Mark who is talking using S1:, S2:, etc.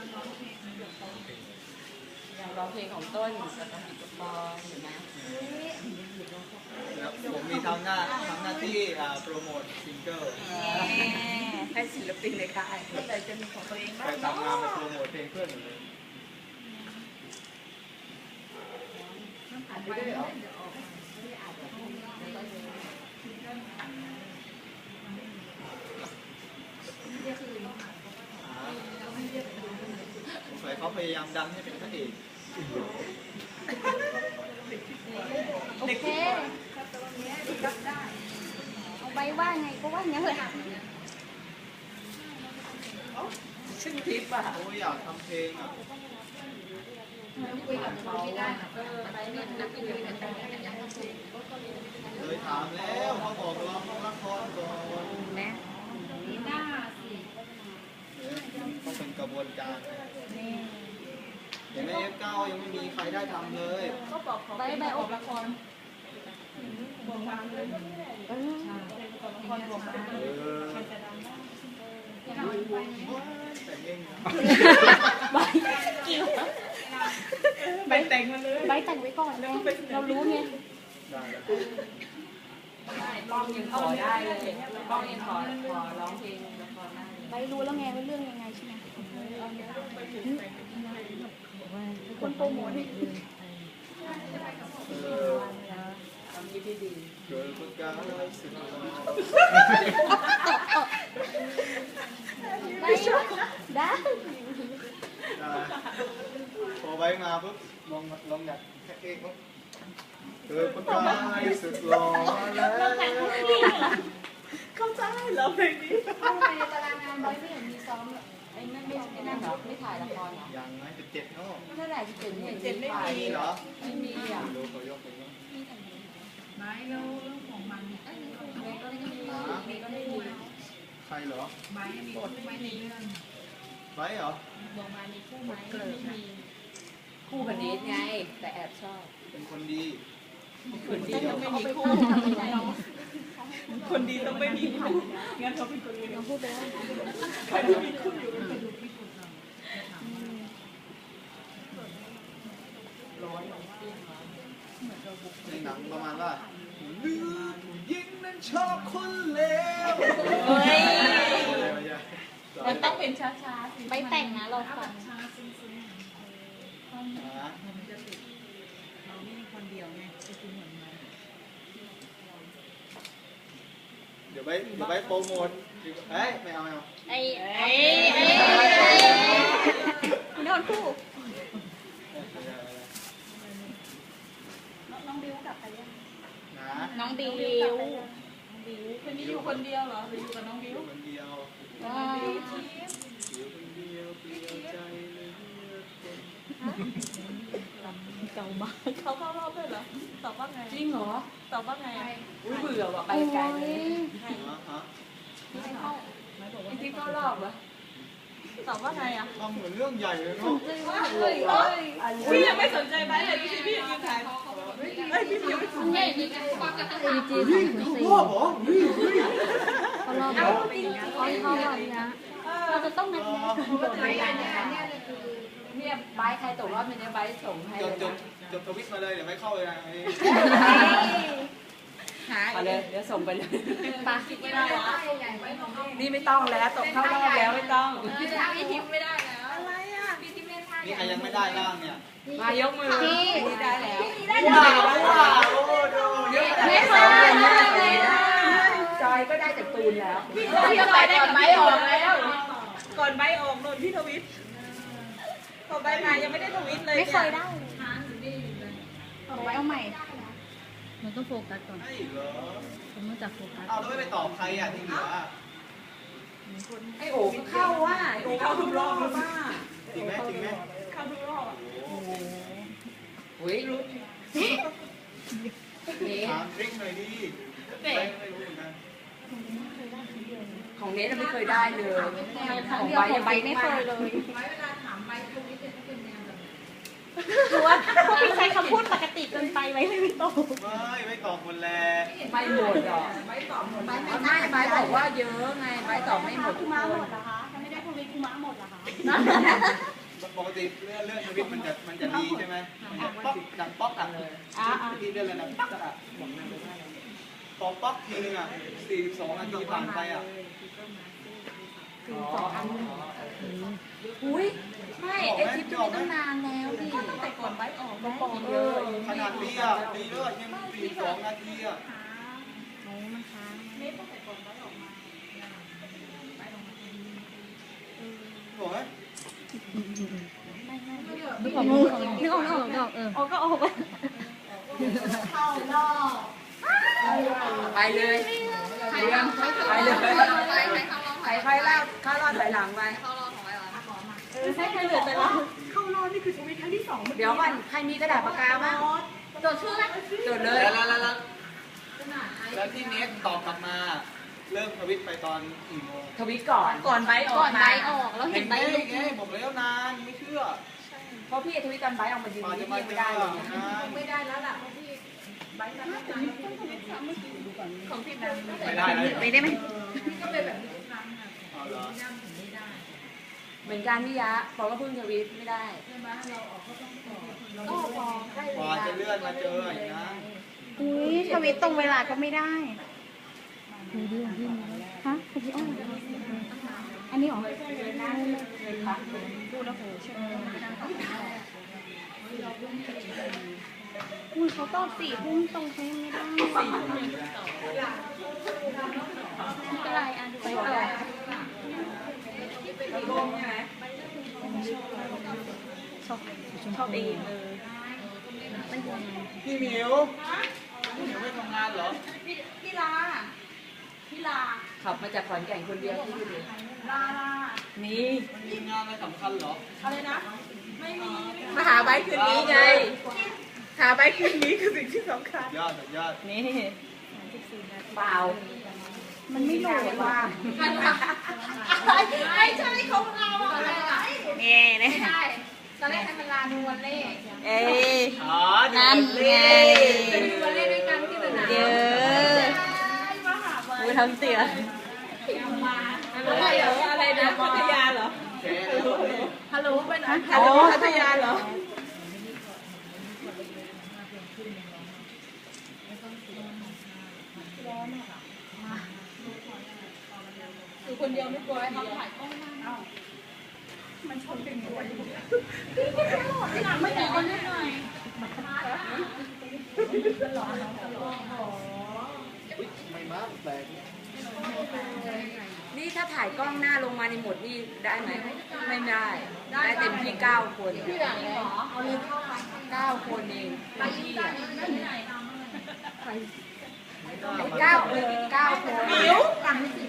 S1: อยากร้องเพลงของต้นกับน้องปิดกระปองเห็นไหม
S2: ผมมีทำหน้าที่โปรโมทซิงเกิล
S1: ให้ศิลปินในค่ายเมื่อไหร่จะมีของตัวเองบ้าง
S2: ไปทำงานไปโปรโมทเพลงเพื่อนหมดเลย
S1: อ่านไปด้วยเหรอ
S2: สงสัยเขาพยายามดันให้เป็นพระเอก
S3: โอเคเอาไปว่าไงก็ว่าอย่างนี้เลย
S1: ชื่อทิปอ่ะ
S2: โอ้ยอยากทำเพลงอ่ะ
S1: คุยกับเขาไปเนี่ยนักคุยกันแต่ยัง
S2: เลยถามแล้วเขาบอกร้องละครก่อน
S1: แม่
S2: ต้องเป็นกระบวนการอย่างในF9ยังไม่มีใครได้ทำเลย
S1: ก็บอกเขาไปไปอบละครบวงบางเลยละครบวงบาง
S2: แต่เองนะ
S1: ใบแต่งมาเลย
S3: ใบแต่งไว้ก่อนเลยเรารู้ไง
S2: ได้
S1: ป้องยังขอได้เลยป้องยังขอร้องเพลงละครได้
S3: ใบรู้แล้วไงว่าเรื่องยังไงใช่ไหมคนโปรโมทนี่
S1: ทำที่ดี
S2: เกิดประกาศสุด
S3: ได้
S2: พอไว้มาปุ๊บลองดัดแค่เอกปุ๊บเกิดประกาศสุดหล่อแล้ว
S1: เข้าใจเหรอเพลงนี้
S3: ทำไมในตารางงานใบไม่เห็นมีซ้อมเลย
S1: ไอ้นั่นไม่เหรอไม่ถ่ายละครเหรอ
S2: ยังไง17เนาะ
S1: เมื่อไหร่จะเป็นเจ็ดไม่มี
S2: เหรอ
S1: ไม่มีอ่ะ
S2: รู้เขายกไปมั้ง
S4: ไม่แล้วเรื่องของมันเนี่ย
S2: ใครเหรอ
S4: ไม้มีบทไม้ในเรื่อง
S2: ไว้เหรอ
S4: บอกมามีคู่ไม้ไม่มี
S1: คู่กับเนทไงแต่แอบชอบ
S2: เป็นคนดี
S1: คนดียังไม่มีคู่คนดีต้องไม่มีคู่งั้นเขาเป็นคนดี
S3: เราพูดไปแล้ว
S1: ใครไม่มีคู่อยู่
S4: ไปดูพี่ปุกเราจะถามว่า
S1: ร้อน
S2: ในหนังประมาณว่าเลือดยิงนั้นชอบคนเลว
S1: เฮ้ย
S2: มั
S1: มันต้องเป็นช้าๆสิ
S3: ใบแต่งนะเรา
S4: ถ้า
S3: ฟั
S4: แบ
S3: ง
S4: บช้าซึ้งๆมันจะติดเราไม่มีคนเดียวไงจะกินเหมือนมัน
S2: เดี๋ยวไปโปรโมทเฮ้ยไม่เอา
S3: ไอ้นอนคู่น้องบิวกลับไปยัง
S2: นะ
S3: น้องบิว
S1: คนนี้อยู่คนเดียวเหรอหรืออยู่กับน้องบิว
S2: คนเดียว
S3: อ๋อ
S2: อยู่คนเดียวเปลี่ยวใจเลย
S3: เก่ามาก
S1: เขาเข้ารอบด้วยเหรอตอบว่าไง
S3: จริงเหรอ
S1: ตอบว่าไงอุ้ยเบื่อว่ะไปไกลเลย
S2: ฮะ
S3: ไม่เข้า
S1: ไอ้ที่เข้ารอบวะตอบว่าไงอ่ะ
S2: ทำเหมือนเรื่องใหญ่เลยเนาะ
S1: พี่ยังไม่สนใจไหมเลยพี่พี่ยังถ่ายเฮ้ยพี่ยังไม่สนใจ
S2: พ่อเหรอ
S3: เขารอบแล้วเขารอบนะเราจะต้องนัดแนะ
S1: เนี่ยใบใครตกรอบเนี่ยใบส่งให้
S2: จบทวิตมาเลยเดี๋ยวไม่เข้าเลยนะ
S1: หาเลยเดี๋ยวส่งไปเลย
S3: ปะ
S1: ไม่ได้แล้วนี่ไม่ต้องแล้วตกเข้ารอบแล้วไม่ต้อง
S4: พี่ทิพย์ไม่ได้แล้วอะไรอ่ะพี่ทิพย์ไม่ได้
S2: นี่ใครยังไม่ได้บ้างเนี่ย
S1: มายกมือนี่ได้แล้ว
S2: ว้าวโอ้ดูเยอะ
S3: ไม่เคยเลย
S1: จอยก็ได้จากตูนแล้ว
S4: พี่จอยได้กับพี่ออกแล้ว
S1: ก่อนใบออกโน่นพี่ทวิตพอใบมายังไม่ได้ทวิตเลย
S3: ไม่เคยได้
S4: ช้างอยู่นี่อยู่เลย
S3: เอาใหม่
S4: มันต้องโฟกัสก่อน
S2: ใช่เหรอ
S4: ผมต้องจับโฟกัส
S2: เอาแล้วไม่ไปตอบใครอ่ะที่เหลือ
S1: ไอโอ๋เข้าว่าไอโอ๋เข้าทุกรอบเลยว่า
S2: จริงไหม
S1: เข้าทุกรอบอ่ะ
S2: โอ้โห
S1: เฮ้ยรู้เน
S2: ถามทริคหน่อยดิไม่รู้เหมือนกัน
S1: ของเนทไม่เคยได้เลย
S3: ของใบยังใบไม่เคยเลย
S4: ไว้เวลาถามใบตรงนี้จะเป็นแนวแบบ
S3: หรือว่าพวกพี่ใช้คำพูดปกติเกินไปไหมไม่ตรง
S2: ไม่ตอบคนแล
S1: ไม่หมดหรอก
S4: ใบตอบหมดใบ
S1: ไม่ใบบอกว่าเยอะไงใบตอบไม่หมดทุก
S3: ม้า
S1: ค
S3: หม
S1: น
S3: ดเหรอคะถ้าไม่ได้ทวีคูม้าหมดเหรอคะ
S2: ปกติเลื่อนทวิตมันจะดีใช่ไหมมันจะป๊อกดังป๊อกอ่ะที่เลื่อนเลยนะป๊อกอ่ะพอป๊อกทีนึงอ่ะ42 นาทีผ่านไปอ่ะ
S3: อุ้ยไม่ไอคลิปนี้ตั้งนานแล้วดิ
S1: ตั้งแต่ก่อนไว้ออกแล้ว
S2: ขนาดนี้อ่ะดีเลยยัง42 นาทีอ่ะ
S3: โอ้มันค้าง
S1: เน็ตตั้งแต่ก่อนไว้ออกมา
S2: โอ้ย
S3: นึกออกก็ออกไป
S4: ไปเลยไปเลยใครเล่าเข้ารอบถอยหลังไป
S1: ใช่เหลือแต่เราเข้ารอบนี่คือชีวิตครั้งที่2
S4: เดี๋ยวก่อนใครมีกระดาษปากกาบ้าง
S3: โดดชื่อไหม
S4: จดเลย
S2: แล้วที่เน็ตตอบกลับมาเริ่มทวิตไปตอนกี่โมง
S4: ทวิตก่อน
S1: ก่อนไว้ออ
S3: ก่อก น
S1: มา
S3: ใบออกแล้ว
S2: เห็
S3: เห็
S2: น
S3: น
S2: ไหม
S3: ใบลุก
S2: ไงบอกแล้วนานไม่เชื่อ
S4: เพราะพี่ทวิตตอนไบออกมายืน
S2: มา
S4: นี่
S2: จะมา
S4: ไม่
S2: เจอ
S4: ได้เลย
S2: นาน
S1: ไม่ได้แล้วล่ะเพราะพี่ใบกันของพี่ดัง
S2: ไม่ได้เลย
S3: ไปได้ไหม
S1: พี่ก็เป็นแบบนี้ทุกครั้งอ่ะ
S2: เอาเหรอ
S1: นั่งถึงไม่ได้
S4: เหมือนกันพี่ยะพอก็เพิ่งทวิตไม่ได้
S1: ใช่ไหมเราออกก็ต้องออก
S4: ก็พอใกล้
S2: กว่าจะเลื่อนมาเจออีกนะ
S3: อุ้ยทวิตตรงเวลาก็ไม่ได้ฮะทวิตอันนี้หรอพูดแล้วโหใช่ไหมอุ้ยเขาตอบ4 ทุ่มตรงเขายังไม่ได้อะไรอ่ะดูไปต่อ
S1: ชอบเองมัน
S2: พี่หมิวพี่หมิวไม่ทำงานเหรอ
S1: พี่ลาพี่ลา
S4: ขับมาจากขอนแก่นคนเดียวที่ดู
S1: ลา
S4: นี่
S2: มันมีงานอะไรสำคัญเหรอ
S1: อะไรนะ ไม่มี
S4: มาหาใบคืนนี้ไง หาใบคืนนี้คือสิ่งที่สำคัญ
S2: ยอดสุดยอด
S4: นี่เปล่า
S3: มันไม่โหลดว่ะ
S1: ไม่ใช่ของเราอะไร
S3: เนี่ยเนี่ย
S1: ตอนแรกให้มันลาดูวันเล่
S3: เอ้ย
S2: อ๋อ
S3: นั่นไง
S1: ดูวันเล่ด้วยกันที่สนาม
S3: เยอะ
S1: มาหาใบ
S3: กูทำเสีย
S1: มาอะไรนะพัทยาเหรอ
S2: แค่
S1: ฮัลโหลไปไหน
S3: โอ้
S1: พัทยาเหรออยู่คนเดียวไม่กลัวให้เขาถ่ายกล้องหน้ามันชนเป็นตัวที่หลังไม่ตีกันนิดหน่อย
S2: ไม่มากแปลก
S4: นี่ถ้าถ่ายกล้องหน้าลงมาในหมดนี่ได้ไหม ไม่ได้ ได้เต็มที่9 คน
S1: ที่หลังเหรอเอาเลยเข้าไป
S4: 9 คนเองไปที่อ่ะ
S1: ที่ไหน
S4: 9 คน
S1: มิว